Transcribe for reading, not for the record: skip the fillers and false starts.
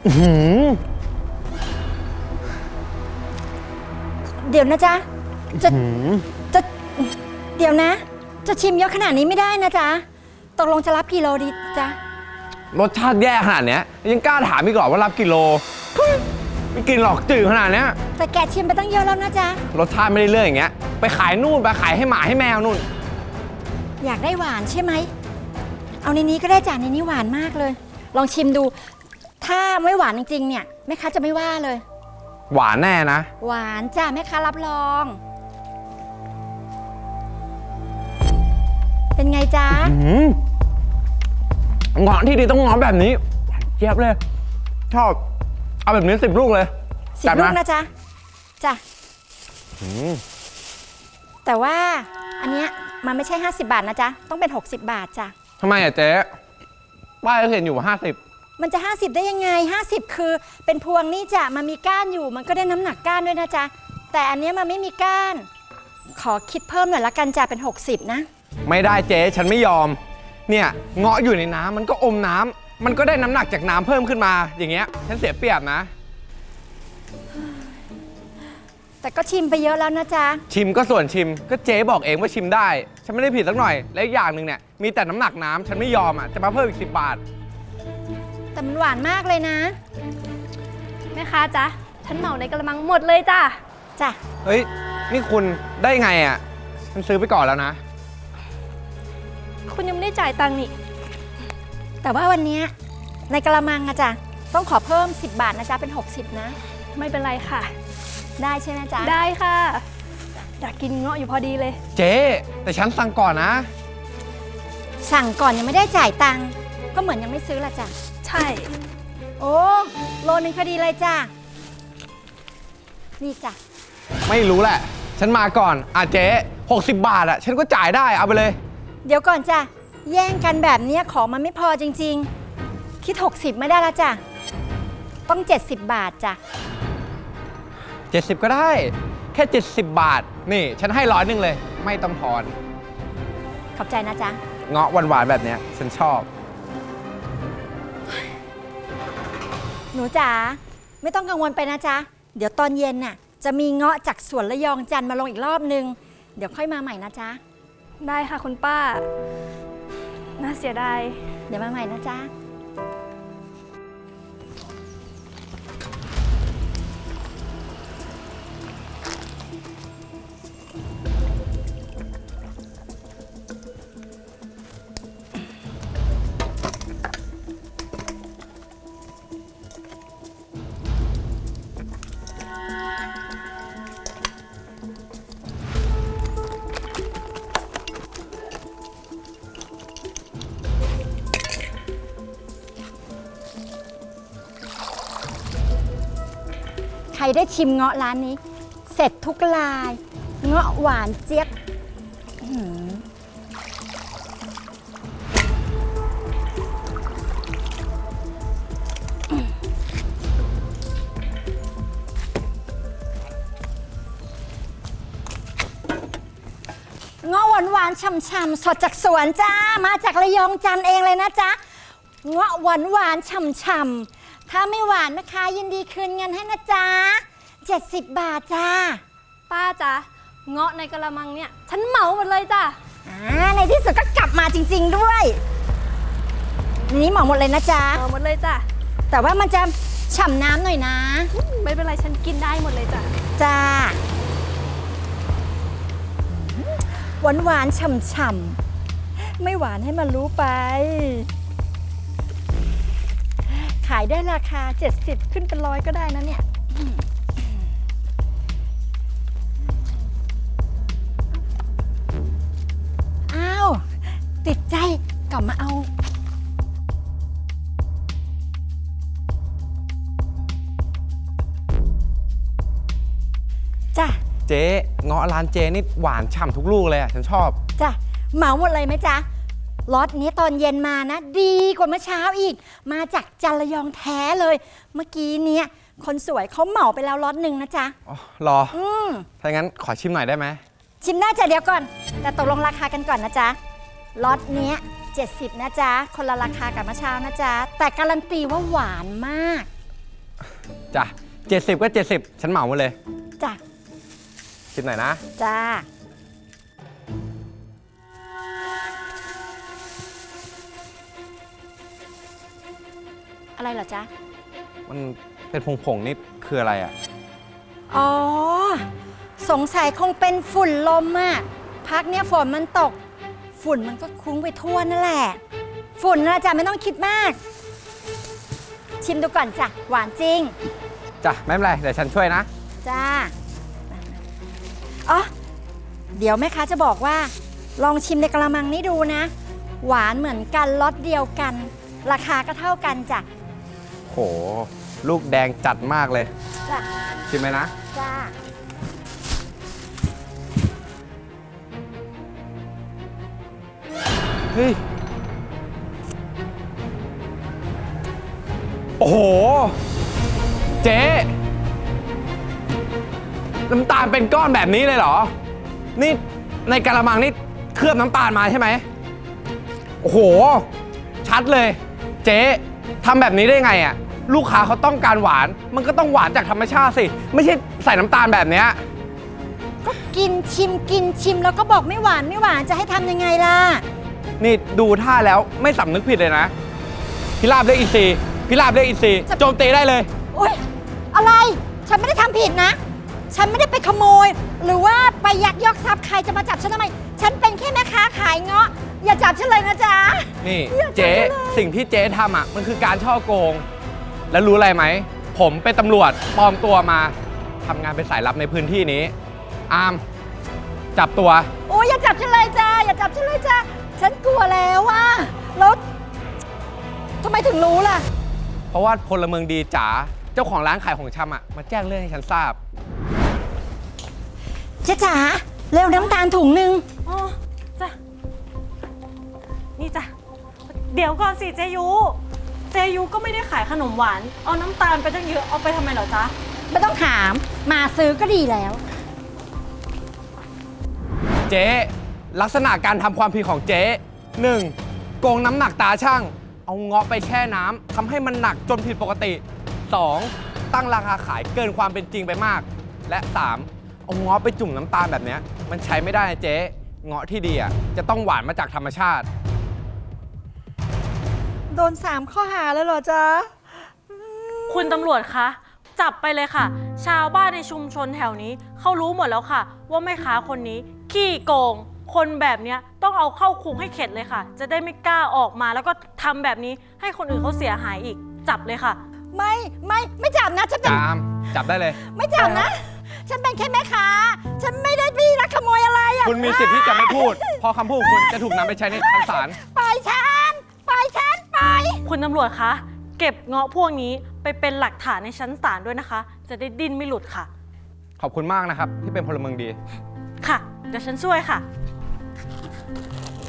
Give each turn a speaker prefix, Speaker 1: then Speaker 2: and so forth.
Speaker 1: เดี๋ยวนะจ๊ะจะเดี๋ยวนะ จะชิมเยอะขนาดนี้ไม่ได้นะจ๊ะตกลงจะรับกิโลดีจ๊ะ
Speaker 2: รสชาติแย่ขนาดเนี้ยยังกล้าถามอีกเหรอว่ารับกิโลไม่กินหรอกจืดขนาดเนี้ย
Speaker 1: แต่แกชิมไปตั้งเยอะแล้วนะจ๊ะ
Speaker 2: รสชาติไม่ได้เรื่องอย่างเงี้ยไปขายนู่นไปขายให้หมาให้แมวนู่น
Speaker 1: อยากได้หวานใช่ไหมเอาในนี้ก็ได้จ้ะในนี้หวานมากเลยลองชิมดูถ้าไม่หวานจริงๆเนี่ยแม่ค้าจะไม่ว่าเลย
Speaker 2: หวานแน่นะ
Speaker 1: หวานจ้ะแม่ค้ารับรองเป็นไงจ๊ะ
Speaker 2: เงาะที่ดีต้องเงาะแบบนี้หวานเจี๊ยบเลยชอบเอาแบบนี้10 ลูกเลย
Speaker 1: 10 ลูกนะจ๊ะจ้ะแต่ว่าอันเนี้ยมันไม่ใช่50 บาทนะจ๊ะต้องเป็น60 บาทจ้ะ
Speaker 2: ทำไมอะเจ๊ป้ายเห็นอยู่50
Speaker 1: มันจะ50ได้ยังไง50คือเป็นพวงนี่จ้ะมันมีก้านอยู่มันก็ได้น้ำหนักก้านด้วยนะจ๊ะแต่อันเนี้ยมันไม่มีก้านขอคิดเพิ่มหน่อยละกันจ้ะเป็น60นะ
Speaker 2: ไม่ได้เจ๊ฉันไม่ยอมเนี่ยเงาะอยู่ในน้ำมันก็อมน้ำมันก็ได้น้ำหนักจากน้ำเพิ่มขึ้นมาอย่างเงี้ยฉันเสียเปรียบนะ
Speaker 1: แต่ก็ชิมไปเยอะแล้วนะจ๊ะ
Speaker 2: ชิมก็ส่วนชิมก็เจ๊บอกเองว่าชิมได้ฉันไม่ได้ผิดสักหน่อยและอีกอย่างหนึ่งเนี่ยมีแต่น้ำหนักน้ำฉันไม่ยอมอ่ะจะมาเพิ่มอีก10 บาท
Speaker 1: แต่มันหวานมากเลยนะ
Speaker 3: แม่ค้าจ๊ะฉันเหมาในกระมังหมดเลยจ้ะ
Speaker 1: จ้ะ
Speaker 2: เฮ้ยนี่คุณได้ไงอ่ะฉันซื้อไปก่อนแล้วนะ
Speaker 3: คุณยังไม่ได้จ่ายตังค์นี่
Speaker 1: แต่ว่าวันนี้ในกระมังอะจ๊ะต้องขอเพิ่ม10 บาทนะจ๊ะเป็น60นะ
Speaker 3: ไม่เป็นไรค่ะ
Speaker 1: ได้ใช่ไหมจ๊ะ
Speaker 3: ได้ค่ะอยากกินเงาะอยู่พอดีเลย
Speaker 2: เจ๊แต่ฉันสั่งก่อนนะ
Speaker 1: สั่งก่อนยังไม่ได้จ่ายตังค์ก็เหมือนยังไม่ซื้อละจ้ะ
Speaker 3: ใช่
Speaker 1: โอ้โลนึงพอดีเลยจ้ะนี่จ้ะ
Speaker 2: ไม่รู้แหละฉันมาก่อนเจ๊60 บาทฉันก็จ่ายได้เอาไปเลย
Speaker 1: เดี๋ยวก่อนจ้ะแย่งกันแบบนี้ของมันไม่พอจริงๆคิด60ไม่ได้ละจ้ะต้อง70 บาทจ้ะ
Speaker 2: 70ก็ได้แค่70 บาทนี่ฉันให้100เลยไม่ต้องทอน
Speaker 1: ขอบใจนะจ๊ะ
Speaker 2: เงาะหวานๆแบบเนี้ยฉันชอบ
Speaker 1: หนูจ๋าไม่ต้องกังวลไปนะจ๊ะเดี๋ยวตอนเย็นน่ะจะมีเงาะจากสวนระยองจันทร์มาลงอีกรอบนึงเดี๋ยวค่อยมาใหม่นะจ๊ะ
Speaker 3: ได้ค่ะคุณป้าน่าเสียดาย
Speaker 1: เดี๋ยวมาใหม่นะจ๊ะใครได้ชิมเงาะร้านนี้เสร็จทุกลายเงาะหวานเจี๊ยบเงาะหวานๆฉ่ำๆสดจากสวนจ้ามาจากระยองจันทร์เองเลยนะจ๊ะเงาะหวานๆฉ่ำๆถ้าไม่หวานแม่ค้ายินดีคืนเงินให้นะจ๊ะ70 บาทจ้า
Speaker 3: ป้าจ๊ะเงาะในกระมังเนี่ยฉันเหมาหมดเลยจ้ะ
Speaker 1: ในที่สุดก็กลับมาจริงๆด้วยนี้เหมาหมดเลยนะจ๊ะ
Speaker 3: เหมาหมดเลยจ้ะ
Speaker 1: แต่ว่ามันจะฉ่ำน้ำหน่อยนะ
Speaker 3: ไม่เป็นไรฉันกินได้หมดเลยจ้ะ
Speaker 1: จ้าหวานๆฉ่ำๆไม่หวานให้มันรู้ไปขายได้ราคา70ขึ้นเป็น100ก็ได้นะเนี่ยอ้าวติดใจกลับมาเอาจ้ะ
Speaker 2: เจ๊เงาะร้านเจ๊นี่หวานฉ่ำทุกลูกเลยฉันชอบ
Speaker 1: จ้ะเหมาหมดเลยไหมจ๊ะล็อตนี้ตอนเย็นมานะดีกว่าเมื่อเช้าอีกมาจากจันทร์ระยองแท้เลยเมื่อกี้เนี้ยคนสวยเขาเหมาไปแล้วล็อตหนึ่งนะจ๊ะ
Speaker 2: อ๋อรอถ้างั้นขอชิมหน่อยได้ไหม
Speaker 1: ชิมได้จ้ะเดี๋ยวก่อนแต่ตกลงราคากันก่อนนะจ๊ะล็อตเนี้ย70นะจ๊ะคนละราคากับเมื่อเช้านะจ๊ะแต่การันตีว่าหวานมาก
Speaker 2: จ้ะ70ก็70ฉันเหมามาเลย
Speaker 1: จ้ะ
Speaker 2: ชิมหน่อยนะ
Speaker 1: จ้าอะไรเหรอจ๊ะ
Speaker 2: มันเป็นผงๆนี่คืออะไรอ่ะ
Speaker 1: อ๋อ สงสัยคงเป็นฝุ่นลมอะพักเนี้ยฝนมันตก ฝุ่นมันก็คลุ้งไปทั่วนั่นแหละ ฝุ่นนะจ๊ะไม่ต้องคิดมาก ชิมดูก่อนจ้ะ หวานจริง
Speaker 2: จ้ะไม่เป็นไรเดี๋ยวฉันช่วยนะ
Speaker 1: จ้าอ๋อเดี๋ยวแม่ค้าจะบอกว่า ลองชิมในกระมังนี้ดูนะ หวานเหมือนกันรสเดียวกัน ราคาก็เท่ากันจ้ะ
Speaker 2: โห ลูกแดงจัดมากเลย
Speaker 1: จ้ะ
Speaker 2: ชิมไหมนะ
Speaker 1: จ้า
Speaker 2: เฮ้ย โอ้โห เจ๊น้ำตาลเป็นก้อนแบบนี้เลยเหรอ นี่ในกะละมังนี่เคลือบน้ำตาลมาใช่ไหม โอ้โห ชัดเลย เจ๊ทำแบบนี้ได้ไงอ่ะ ลูกค้าเขาต้องการหวาน มันก็ต้องหวานจากธรรมชาติสิ ไม่ใช่ใส่น้ำตาลแบบเนี้ย
Speaker 1: ก็กินชิมแล้วก็บอกไม่หวานจะให้ทำยังไงล่ะ
Speaker 2: นี่ดูท่าแล้วไม่สำนึกผิดเลยนะ พิราบเรียกอีซีพิราบเรียกอีซีโจมตีได้เลย
Speaker 1: โอ๊ย อะไร ฉันไม่ได้ทำผิดนะ ฉันไม่ได้ไปขโมย หรือว่าไปยักยอกทรัพย์ใครจะมาจับฉันทำไม ฉันเป็นแค่แม่ค้าขายเงาะ อย่าจับฉันเลยนะจ๊ะ
Speaker 2: นี่
Speaker 1: อย่าจับ
Speaker 2: เจ๊
Speaker 1: ฉันเลย
Speaker 2: สิ่งที่เจ๊ทำอ่ะมันคือการช่อโกง แล้วรู้อะไรไหม ผมเป็นตำรวจปลอมตัวมาทำงานเป็นสายลับในพื้นที่นี้ อาม จับตัว
Speaker 1: โอ้ยอย่าจับฉันเลยจ้าอย่าจับฉันเลยจ้าฉันกลัวแล้วว่าแล้วทำไมถึงรู้ล่ะ
Speaker 2: เพราะว่าพลเมืองดีจ๋าเจ้าของร้านขายของชำอ่ะมาแจ้งเรื่องให้ฉันทราบ
Speaker 1: เจ๊จ๋าเร็วน้ำตาลถุงหนึ่ง
Speaker 4: อ๋อจ้ะนี่จ้ะเดี๋ยวก่อนสิเจยุก็ไม่ได้ขายขนมหวาน เอาน้ำตาลไปตั้งเยอะเอาไปทำไมเหรอจ๊ะ
Speaker 1: ไม่ต้องถามมาซื้อก็ดีแล้ว
Speaker 2: เจ๊ลักษณะการทำความผิดของเจ๊ 1. โกงน้ำหนักตาช่าง เอาเงาะไปแช่น้ำทำให้มันหนักจนผิดปกติ 2. ตั้งราคาขายเกินความเป็นจริงไปมาก และ 3. เอาเงาะไปจุ่มน้ำตาลแบบเนี้ยมันใช้ไม่ได้นะเจ๊เงาะที่ดีอ่ะจะต้องหวานมาจากธรรมชาติ
Speaker 1: โดน3ข้อหาแล้วเหรอจ๊ะ
Speaker 4: คุณตำรวจคะจับไปเลยค่ะ ชาวบ้านในชุมชนแถวนี้เขารู้หมดแล้วค่ะ ว่าแม่ค้าคนนี้ขี้โกง คนแบบเนี้ยต้องเอาเข้าคุกให้เข็ดเลยค่ะ จะได้ไม่กล้าออกมาแล้วก็ทำแบบนี้ให้คนอื่นเขาเสียหายอีก จับเลยค่ะ
Speaker 1: ไม่จับนะฉันเป็น
Speaker 2: จาม จับได้เลย
Speaker 1: ไม่จับนะ ฉันเป็นแค่แม่ค้าฉันไม่ได้ไปลักขโมยอะไรอะ
Speaker 2: คุณมีสิทธิ์ที่จะไม่พูด เพราะคำพูดของคุณจะถูกนำไปใช้ในชั้นศาล
Speaker 1: ปล่อยฉันปล่อยฉันปล่อย
Speaker 4: คุณตำรวจคะเก็บเงาะพวกนี้ไปเป็นหลักฐานในชั้นศาลด้วยนะคะ จะได้ดิ้นไม่หลุดค่ะ
Speaker 2: ขอบคุณมากนะครับ ที่เป็นพลเมืองดี
Speaker 4: ค่ะ เดี๋ยวฉันช่วยค่ะ